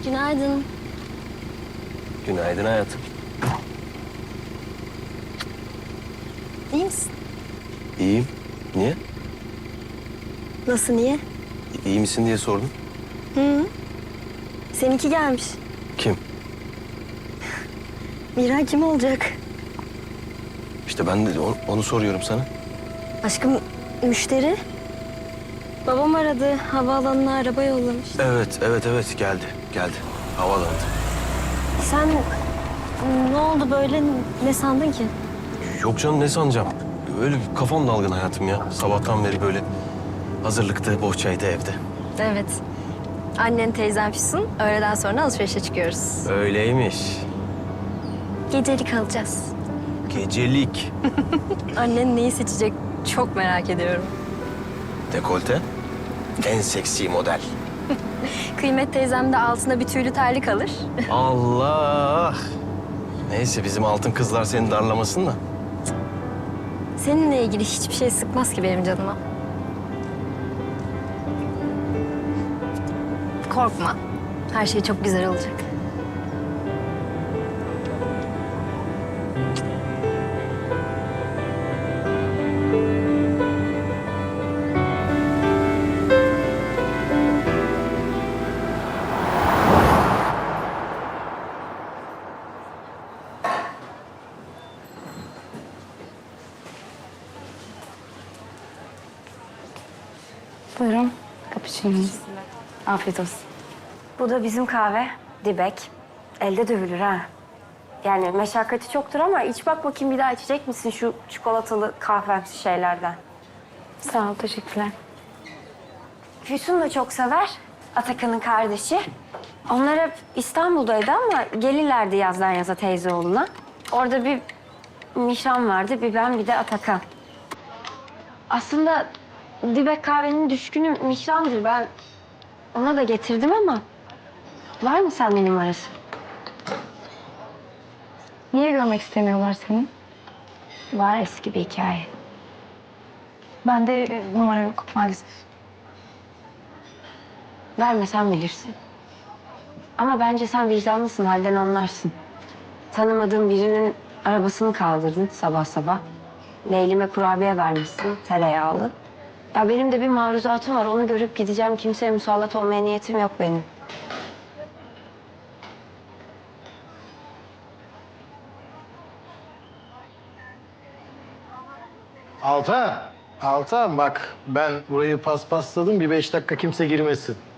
Günaydın. Günaydın hayatım. İyi misin? İyiyim. Niye? Nasıl, niye? İyi misin diye sordum. Hı. Seninki gelmiş. Kim? Miray kim olacak? İşte ben de onu soruyorum sana. Aşkım, müşteri. Babam aradı. Havaalanına araba yollamış. Evet geldi. Havalandı. Sen ne oldu böyle? Ne sandın ki? Yok canım ne sanacağım? Öyle bir kafam dalgın hayatım ya. Sabahtan beri böyle hazırlıkta, bohçaydı evde. Evet. Annen, teyzem Füsun. Öğleden sonra alışverişe çıkıyoruz. Öyleymiş. Gecelik alacağız. Gecelik. Annen neyi seçecek çok merak ediyorum. Dekolte. En seksi model. Kıymet teyzem de altına bir tüylü terlik alır. Allah. Neyse bizim altın kızlar seni darlamasın da. Seninle ilgili hiçbir şey sıkmaz ki benim canıma. Korkma. Her şey çok güzel olacak. Buyurun, cappuccino'nuz. Afiyet olsun. Bu da bizim kahve, dibek. Elde dövülür ha. Yani meşakkati çoktur ama iç bak bakayım bir daha içecek misin şu çikolatalı kahvemsi şeylerden? Sağ ol, teşekkürler. Füsun da çok sever, Atakan'ın kardeşi. Onlar hep İstanbul'daydı ama gelirlerdi yazdan yaza teyzeoğluna. Orada bir Mişan vardı, bir ben bir de Atakan. Aslında dibek kahvenin düşkünü Mihran'dır. Ben ona da getirdim ama var mı sende numarası? Niye görmek istemiyorlar seni? Var eski bir hikaye. Bende numara yok maalesef. Vermesen bilirsin. Ama bence sen vicdanlısın, halden anlarsın. Tanımadığın birinin arabasını kaldırdın sabah sabah. Leylime kurabiye vermişsin, tereyağlı. Ya benim de bir maruzatım var, onu görüp gideceğim. Kimseye musallat olmaya niyetim yok benim. Altan bak ben burayı paspasladım bir 5 dakika kimse girmesin.